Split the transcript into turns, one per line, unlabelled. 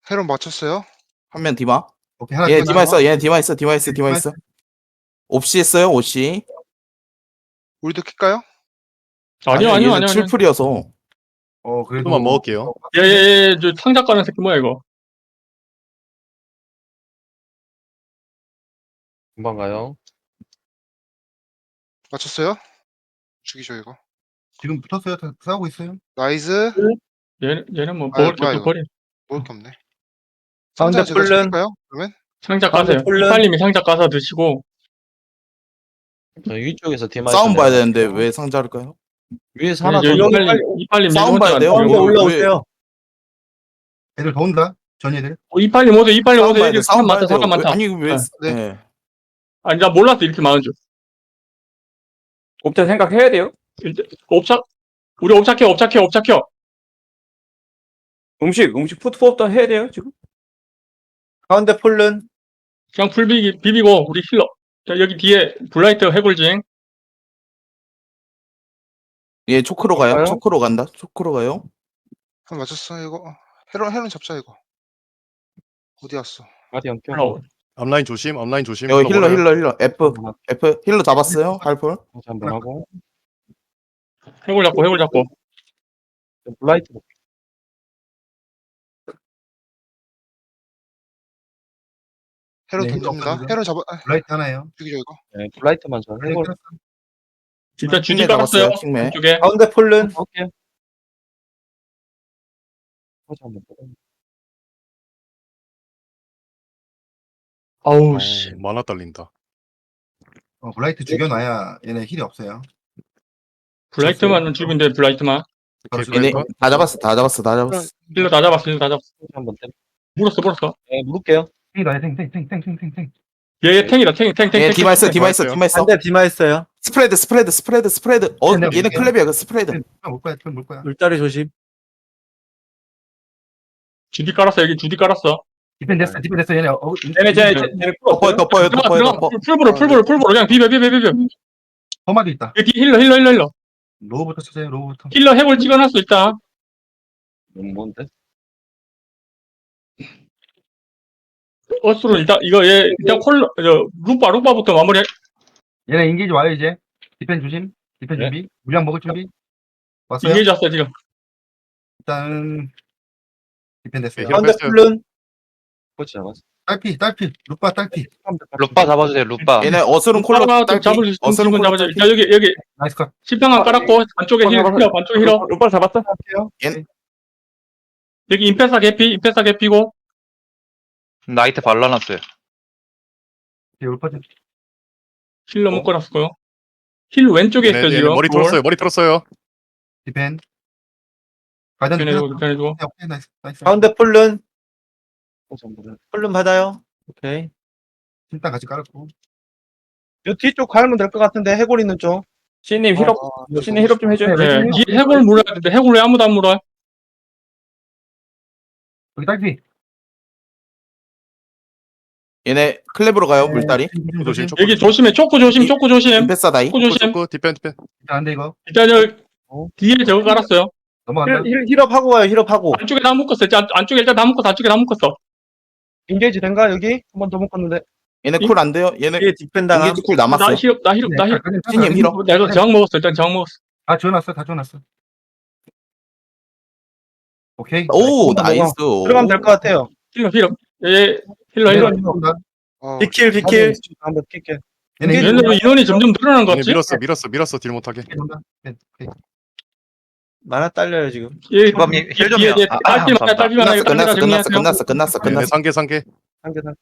헤론 맞췄어요.
한 명 디마.
오케이, 하나
얘
더
디마 있어.
나와.
얘 디마 있어. 디마 있어. 디마 있어. 옵시 했어요. 옵시.
우리도 킬까요?
아니요.
7풀이어서.
그래도
조금만 먹을게요.
예, 저 상자 까는 새끼 뭐야, 이거.
금방 가요.
맞췄어요. 죽이죠 이거.
지금 붙었어요. 다 싸우고 있어요.
나이스.
얘는 뭐,
아유,
먹을 게
뭐야,
없어,
이거.
버려.
먹을 게 없네.
가운데
상자 제가
뿔른.
죽일까요? 그러면
상자
가운데
까세요.
폴른.
이빨님이 상자 까서 드시고,
저 위쪽에서 디마
싸움 봐야 되는데
있어요.
왜 상자를까요?
위에서 하나 더
저
여기
이빨님
싸움
혼자
봐야
안
돼요?
돼요.
가운데
왜-
올라오세요.
애들 더 온다. 전 애들.
이빨님 오세요, 이빨님
싸움
오세요.
봐야 돼.
여기
싸움
사람
봐야
많다,
돼요.
사람 많다.
아니 왜?
네.
네.
아니, 나 몰랐어, 이렇게 많은 줄.
옵차 생각해야 돼요.
옵착, 우리 옵착해.
음식 푸드포업도 해야 돼요, 지금. 가운데 폴른.
그냥 비비고, 우리 힐러. 자, 여기 뒤에 블라이트 해골징.
얘 초크로 가요.
가요?
초크로 간다. 초크로 가요.
한 맞췄어 이거. 헤론 잡자 이거. 어디 갔어?
가디언 껴.
올라오.
앞라인 조심. 앞라인 조심.
여기 힐러
먹어요.
힐러 F 힐러 잡았어요. 할풀.
다시 한번 하고.
해골 잡고.
블라이트.
헤론
네,
던집니다.
없어요.
헤론 잡아.
블라이트 하나예요.
죽이죠 이거.
네, 블라이트만 저 해골.
진짜 주디
킹메
깔았어요.
잡았어요. 킹메.
이쪽에.
가운데 폴른.
오케이. 다시 한번 더.
아우, 씨.
만화 딸린다.
블라이트 죽여놔야 얘네 힐이 없어요.
블라이트만 죽이면 돼, 블라이트만.
바로
오케이,
얘네
죽여요.
다 잡았어. 다 잡았어.
힐러 다 잡았어.
다시 한번 때.
물었어.
네, 물을게요.
탱이다. 탱.
얘 탱이다, 탱.
얘 디마 있어. 디마 있어.
있어요.
디마 있어.
가운데 디마 있어요.
스프레드.
네, 네,
얘네
네.
클랩이야. 그 스프레드.
물 거야.
물다리 조심.
주디 깔았어. 여기 주디 깔았어.
디펜 됐어. 얘네.
쟤네 풀
덮어요.
들어가. 풀보로 그냥 비벼.
험하게 있다.
여기 힐러.
로우부터 쳐세요. 로우부터.
힐러 해골 찍어놨어, 일단.
너무 먼데?
어스로 일단 이거 얘 일단 루빠부터 마무리.
얘네 인기지 와요 이제. 디펜 조심. 디펜
네.
준비. 물량 먹을 준비. 왔어요.
이게 졌어 지금.
일단 디펜 됐어요.
네,
가운데
뺐어요.
폴른.
코치 잡았어.
딸피. 루빠 딸피.
루빠 잡아주세요, 루빠.
얘네 어스름 콜러 딸기.
잡을 수 있으면
어스름 콜러
잡아줘.
딸기.
자 여기
나이스 컷.
십평안 깔았고 반쪽에 힐러 반쪽에 힐러.
루파 잡았어.
여기 임페사 개피고
나이트 발라놨어요.
루빠 좀.
힐러 묶어놨고요. 힐 왼쪽에 있어
얘네
지금.
머리 털었어요.
디펜. 가전
변해주고.
오케이 나이스.
가운데 폴른.
코치 한번 해.
폴른 받아요. 오케이.
일단 같이 깔았고.
요 뒤쪽 갈면 될 것 같은데 해골 있는 쪽. 신님 힐업. 신님 힐업 좀 해줘요.
네, 뒤에 해골 물어야 되는데 해골 왜 아무도 안 물어?
여기 딸피.
얘네 클랩으로 가요.
네.
물다리.
조심.
여기 조심해. 초코 조심.
임페사 다이.
초코 조심.
디펜.
안돼 이거.
일단 저 뒤에 저거 깔았어요.
넘어간다.
힐업 하고 가요. 힐업 하고.
안쪽에 다 묶었어. 안쪽에 일단 다 묶었어.
인게이지 된가 여기? 한 번 더 묶었는데.
얘네 쿨 안 돼요. 얘네
뒤에 뒷펜 당함.
인게이지 쿨 남았어.
나 힐업.
신님 힐업.
내가 저항 먹었어. 일단 저항 먹었어.
다 지워놨어. 오케이.
오 나이스.
들어가면 될 것 같아요.
힐러. 예, 힐러.
비킬.
한번 킬게.
얘네
얘네들 인원이 점점 늘어나는 것
얘네
같지?
밀었어. 딜 못하게.
만화 딸려요 지금.
예,
주범님 힐 좀요.
딸피만
끝났어.
얘네 상계.
한개 산.